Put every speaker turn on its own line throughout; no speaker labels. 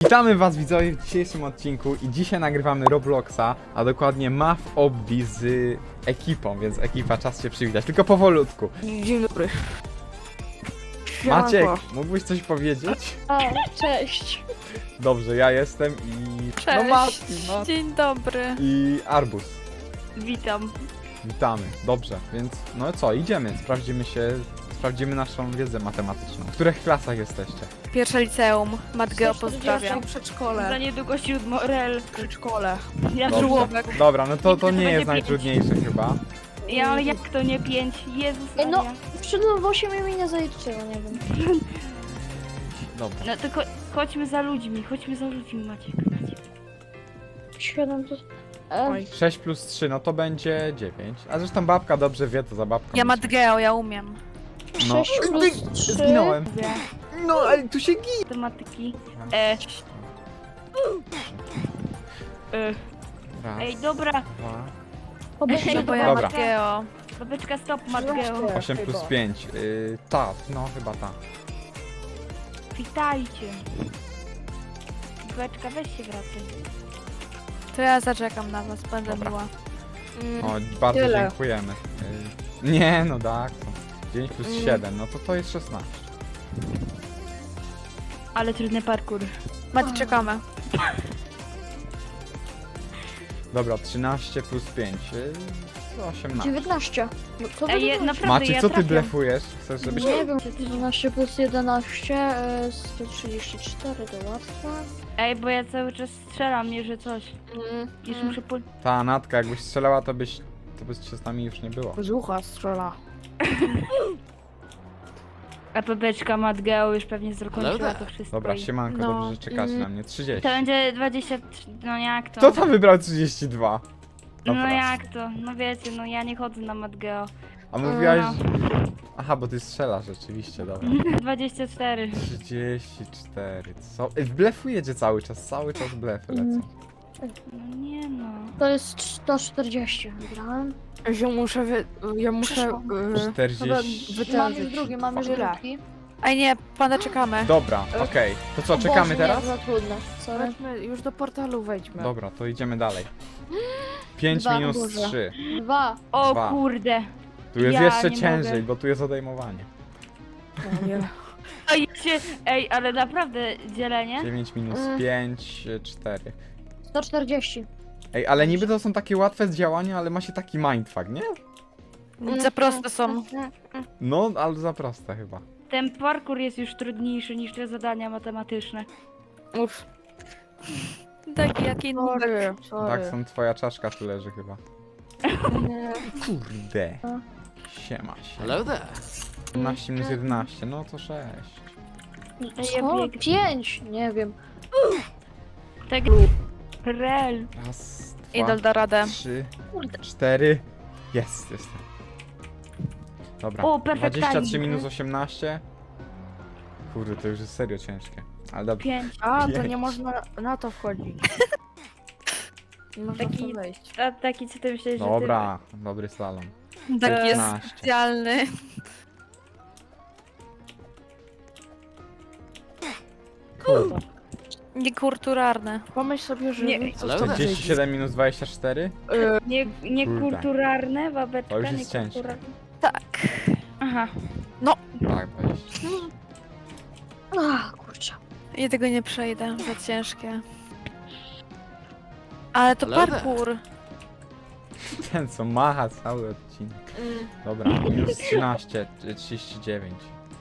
Witamy was widzowie w dzisiejszym odcinku i dzisiaj nagrywamy Robloxa, a dokładnie Math Obby z ekipą, więc ekipa, czas się przywitać, tylko powolutku.
Dzień dobry.
Maciek,
Siemanko.
mógłbyś coś powiedzieć?
O, cześć.
Dobrze, ja jestem i...
Cześć,
No Mati, no.
dzień dobry.
I Arbus.
Witam.
Witamy, dobrze, więc no co, idziemy, sprawdzimy naszą wiedzę matematyczną. W których klasach jesteście?
Pierwsze liceum, Matgeo pozdrawiam.
Przedszkole.
Za niedługo Siódmorel.
Przedszkole.
Ja
Dobrze.
żłobek.
Dobra, no to
To
nie
będzie
jest najtrudniejsze chyba.
Ja, ale jak to nie 5? Jezus
Ej, no,
Maria.
wszedłem w 8 i mnie nie zaliczyło, nie wiem.
Dobra.
No tylko chodźmy za ludźmi, Maciek.
7 to...
Oj.
6 plus 3, no to będzie 9. A zresztą babka dobrze wie, to za babką.
Ja
myślę.
Matgeo, ja umiem.
No.
6 plus 3...
Zginąłem.
Mówię.
No, ale tu się gini.
Matematyki.
Raz,
Ej, dobra.
2,
No bo ja
Dobra.
Matgeo. Babeczka, stop, Matgeo.
8 plus 5. Ta, no chyba ta.
Witajcie. Babeczka, weź się wracaj.
To ja zaczekam na was, będę
Dobra.
miła.
O, bardzo
Tyle.
dziękujemy. Nie, no tak. 9 plus 7, no to jest 16.
Ale trudny parkour.
Mati, czekamy.
Dobra, 13 plus 5. 18.
19. No co to
Ej,
było?
naprawdę,
Maciek,
ja
co ty
trafiam.
blefujesz? Chcesz, żebyś...
Nie wiem, 12 plus 11, 134 to łatwe.
Ej, bo ja cały czas strzelam, nie, że coś. Już muszę po...
Ta Natka, jakbyś strzelała, to byś się z nami już nie było.
Z ucha strzela.
A Pepeczka Matgeo już pewnie zakończyła to wszystko.
Dobra,
i-
siemanko,
No.
dobrze, że czekacie na mnie. 30.
To będzie 23, no jak to?
Kto tam wybrał 32?
No
Dobra.
jak to? No wiecie, no ja nie chodzę na Matgeo.
A mówiłaś...
No.
Aha, bo ty strzelasz rzeczywiście, dobra.
24.
34, co? Blefujecie cały czas blefy lecą.
No nie no.
To jest 140. Wygrałem.
Ja muszę
Przeszło.
40...
Mam już drugi, mam już
Tyle.
drugi.
Ej nie, pana czekamy.
Dobra, okej. To co,
O
czekamy
Boże,
teraz?
Nie, za trudne. Sorry.
Chodźmy, już do portalu wejdźmy.
Dobra, to idziemy dalej. 5
Dwa,
minus
Boże.
3.
2.
O
Dwa.
kurde.
Tu jest
Ja
jeszcze
nie
ciężej,
mogę.
bo tu jest odejmowanie.
No, nie.
Ej, ale naprawdę dzielenie?
9 minus 5, 4.
140.
Ej, ale niby to są takie łatwe z działania, ale ma się taki mindfuck, nie?
Za proste są.
No, ale za proste chyba.
Ten parkour jest już trudniejszy niż te zadania matematyczne.
Uff,
Taki jaki nubek.
sorry.
Tak, są twoja czaszka tu leży chyba. Kurde. Siema się.
Hello there.
12 minus 11, no to 6.
Ja
Co?
biegnę.
5? Nie wiem.
Tak. Rel.
Raz,
Idol
dwa,
da radę.
3,
Kurde.
4. Jest, jestem. Dobra,
O, perfect
23
timing.
minus 18. Kurde, to już jest serio ciężkie. Ale dobrze.
5.
A, to
Pięć.
nie można na to wchodzić. Nie można w
Taki-
to wejść.
A taki co ty myślisz, że
Dobra, dobry slalom.
Taki jest
15.
specjalny.
Kurde.
Niekulturalne.
Pomyśl sobie, że
Nie.
wy co
Hello
to
there.
37 minus 24?
ty... Niekulturalne, babeczka,
To już jest ciężkie.
niekulturalne.
Tak.
Aha.
Tak, 20.
Ach, kurczę.
Ja tego nie przejdę, za ciężkie. Ale to
Ale
parkour.
Ten co macha cały odcinek. Dobra, minus 13, 39.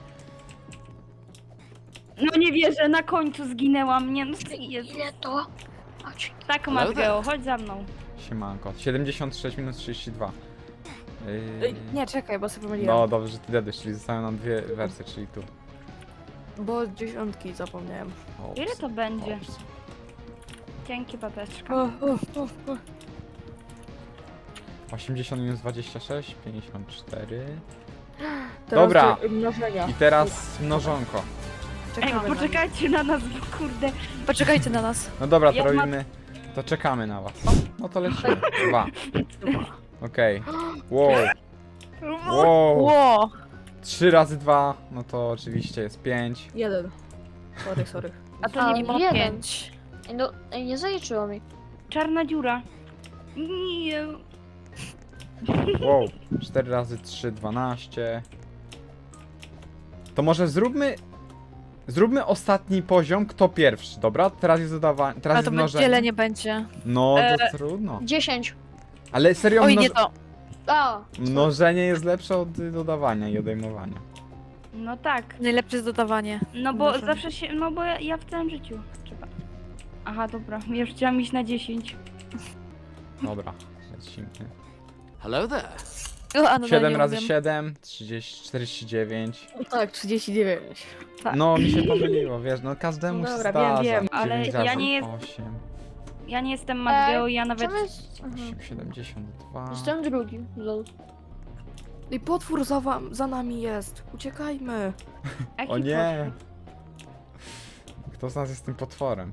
No nie wierzę, na końcu zginęłam, nie no Jezu.
Ile to? Chodź.
Tak
Hello
Matgeo, chodź za mną.
Siemanko. 76 minus 32.
Nie, czekaj, bo sobie pomyliłem.
No dobrze, że ty dedysz, czyli zostały nam dwie wersje, czyli tu.
Bo 10 zapomniałem.
Ops,
Ile to będzie?
ops.
Dzięki babeczka.
80 minus 26, 54.
Teraz
Dobra.
do mnożenia.
I teraz mnożonko.
Ej,
Czekamy na
poczekajcie na nas, bo kurde.
Poczekajcie na nas.
No dobra, to
Ja
robimy. To czekamy na was. No to lecimy. 2. Okej. Wow. Wow.
Ło!
3 razy 2, no to oczywiście jest 5.
nie. 1. Sorry.
A to nie
Mimo
jeden.
5.
No, nie zaliczyło mi.
czarna dziura. Nie.
Wow, 4 razy 3, 12. To może zróbmy ostatni poziom, kto pierwszy, dobra? Teraz jest dodawanie, teraz
A
jest
to
mnożenie.
wiele nie będzie.
No, to trudno.
10.
Ale serio,
Oj, nie to.
A,
mnożenie jest lepsze od dodawania i odejmowania.
No tak.
Najlepsze jest dodawanie.
No bo
Może.
zawsze się. No bo ja w całym życiu. Trzeba. Aha, dobra. Ja już chciałam iść na 10.
Dobra, lecimy.
Hello there.
O, a no,
7
nie
razy
umiem.
7, 30, 49.
Tak, 39.
No, mi się pomyliło, wiesz, no każdemu
No
się
dobra,
zdarza.
wiem,
ale
9
ja
razy
nie jest-
8,
Ja nie jestem Matgeo, ja nawet.
czemu jest... Aha.
8, 72.
Jestem drugi, lol.
I potwór za nami jest. Uciekajmy.
Jaki
O nie!
potwór?
Kto z nas jest tym potworem?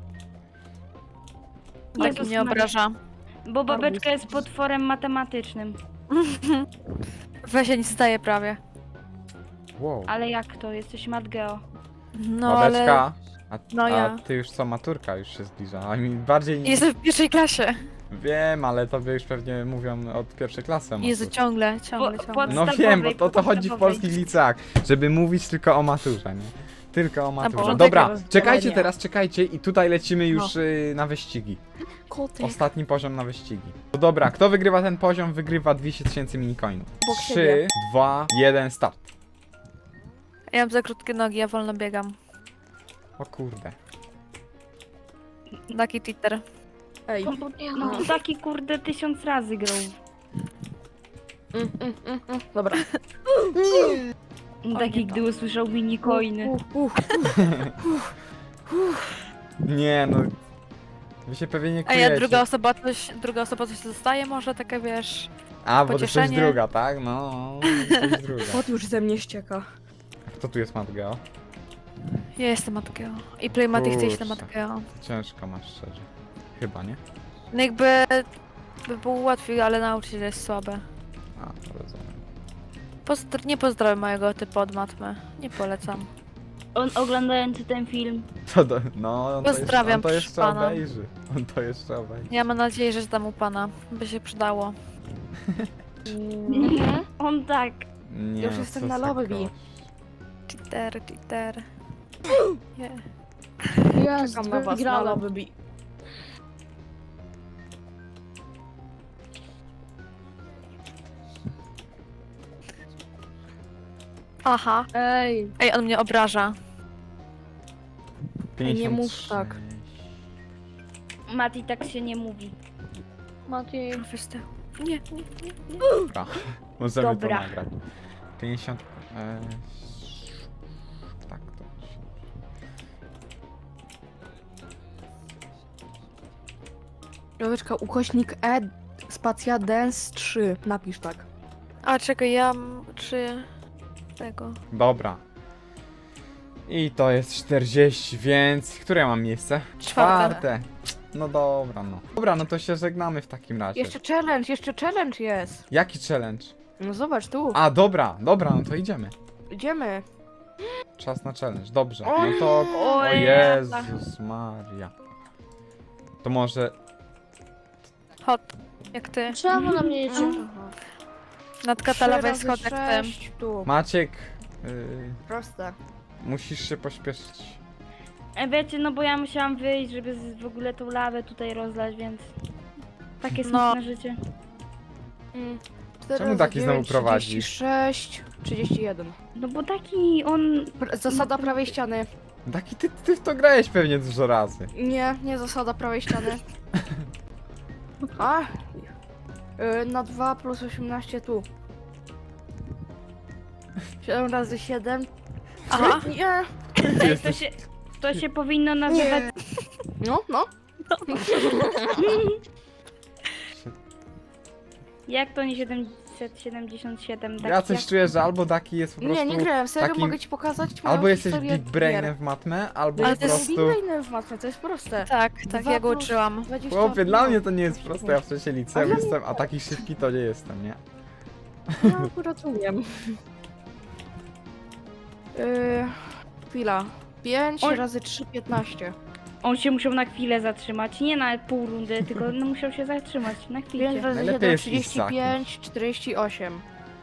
Tak
Jezus
mnie
Maria.
obraża.
Bo babeczka jest potworem matematycznym.
Weź się nie staje prawie.
Wow.
Ale jak to? Jesteś Matgeo.
No ale...
Babeczka, a
No ja.
ty już co, maturka już się zbliża, a mi bardziej nie...
Jestem w pierwszej klasie.
Wiem, ale tobie już pewnie mówią od pierwszej klasy o
Jezu,
maturze.
ciągle.
Po-
No
podstawowej,
wiem, bo to chodzi w
podstawowej.
polskich liceach, żeby mówić tylko o maturze, nie? Tylko o maturze.
porządek
Dobra,
rozdzielenia.
czekajcie teraz, czekajcie i tutaj lecimy już na wyścigi.
Koty.
Ostatni poziom na wyścigi. To dobra, kto wygrywa ten poziom, wygrywa 200 000 minicoinów.
Obok
3,
siebie.
2, 1, start.
Ja mam za krótkie nogi, ja wolno biegam.
O kurde.
Taki Twitter.
Ej.
No to taki kurde 1000 razy grał.
Dobra.
Taki gdy usłyszał minicoiny.
Nie no. Wy się pewnie nie
A
kujecie.
ja druga osoba coś dostaje, może takie wiesz...
A, bo to jesteś
pocieszenie.
druga, tak? No, jesteś druga.
Kot już ze mnie ścieka.
Kto tu jest Matgeo?
Ja jestem Matgeo. I Playmatic chce iść na
Kurczę.
Matgeo.
Ciężko masz szczerze. Chyba, nie?
No jakby... by było łatwiej, ale nauczyciel jest słabe.
A, to rozumiem.
Nie pozdrawiam mojego typu od matmy. Nie polecam.
On oglądający ten film.
No, on
Pozdrawiam,
to jeszcze
proszę pana.
obejrzy. On to jeszcze obejrzy.
Ja mam nadzieję, że tam u pana. By się przydało.
On tak.
Nie,
Już
no,
jestem
co
na
za
lobby.
gość.
Cheater. Nie.
Jest,
Czekam na was na
wygrałem.
lobby.
Aha.
Ej,
Ej, on mnie obraża.
nie mów
53.
tak.
Mati tak się nie mówi.
Mati,
Wiesz ty. Nie.
Dobra, możemy
Dobra.
to nagrać. 50... tak, to się...
Joweczka, ukośnik spacja dance 3. Napisz tak.
A czekaj, ja mam 3 tego.
Dobra. I to jest 40, więc... Które ja mam miejsce?
Czwarte.
No dobra, no. Dobra, no to się żegnamy w takim razie.
Jeszcze challenge jest.
Jaki challenge?
No zobacz tu.
A, dobra, no to idziemy.
Idziemy.
Czas na challenge, dobrze. No
Oj.
to... O
Oj,
Jezus Maria. To może...
Hot. Jak ty.
czemu na mnie jedzie?
Nad katalowej schodek tym.
tu.
Maciek...
Proste.
musisz się pośpieszyć.
Wiecie, no bo ja musiałam wyjść, żeby w ogóle tą lawę tutaj rozlać, więc... Takie
No.
smutne życie.
4
Czemu
razy
taki znowu
9,
prowadzi?
36, 31.
No bo taki on...
Zasada prawej ściany.
Taki ty w to grałeś pewnie dużo razy.
Nie zasada prawej ściany. A? Na 2 plus 18 tu. 7 razy 7.
Aha.
Nie.
Ej, to się powinno nazywać...
No.
Jak to nie 777? Tak
Ja coś
jak...
czuję, że albo Daki jest po prostu...
Nie grałem, serio
takim-
mogę ci pokazać moją
Albo jesteś
historię
big brainem
gier.
w matmę, albo
Ale
po
to jest
prostu...
big brainem w matmę, to jest proste.
Tak,
Dwa
ja go
plus
uczyłam.
20
Chłopie, dla mnie to nie jest proste, ja w trzeciej liceum
Ale-
jestem, a taki szybki to nie jestem, nie?
Ja akurat umiem. Chwila. 5
Oj.
razy 3, 15.
On się musiał na chwilę zatrzymać. Nie na pół rundy, tylko no, musiał się zatrzymać na
5
chwilę.
razy
Najlepiej
7,
jest iść za
35, 48.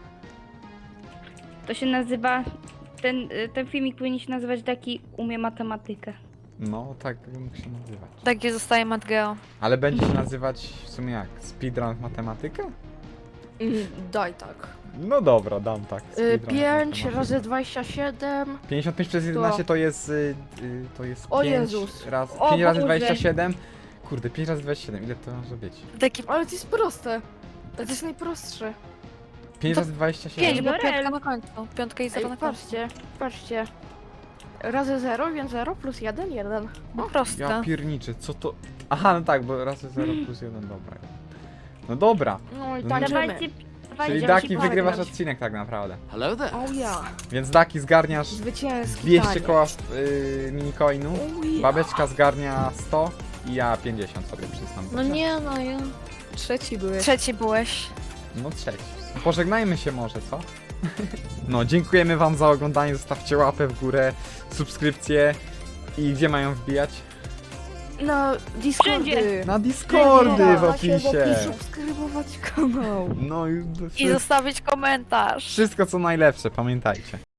To się nazywa... Ten filmik powinien się nazywać taki Umie matematykę.
No, tak by mógł się nazywać.
Takie zostaje Matgeo.
Ale będzie się nazywać w sumie jak? Speedrun w matematykę?
Daj tak.
No dobra, dam tak. speedrun w
5
matematykę.
razy 27.
55 przez 11 to jest... to jest
O
5
Jezus.
raz...
O
5 razy
Boże.
27. Kurde, 5 razy 27, ile to może być?
Taki
Ale to jest proste. To jest najprostsze.
5
To
razy 27.
5, bo
Lorel.
piątka na końcu. Piątka i 0
Ej,
na końcu.
patrzcie, patrzcie. Razy 0, więc 0 plus 1, 1.
No proste.
Ja pierniczę, co to... Aha, no tak, bo razy 0 plus 1, dobra. No dobra,
No i
No
tańczymy.
Dawajcie, dawajcie.
czyli
Idziemy
Daki
się
wygrywasz
pograć.
odcinek tak naprawdę.
Hello there.
Oh ja.
Więc Daki zgarniasz
Zwycięski
200
taniec.
koła minicoinu,
Oh ja.
babeczka zgarnia 100 i ja 50 sobie przyznam.
No nie, no ja...
Trzeci były.
Trzeci byłeś.
No trzeci. Pożegnajmy się może, co? No, dziękujemy wam za oglądanie, zostawcie łapę w górę, subskrypcję i gdzie mają wbijać?
Na Discordy.
Na Discordy w
Macie
opisie.
subskrybować kanał.
No i
I zostawić komentarz.
wszystko co najlepsze, pamiętajcie.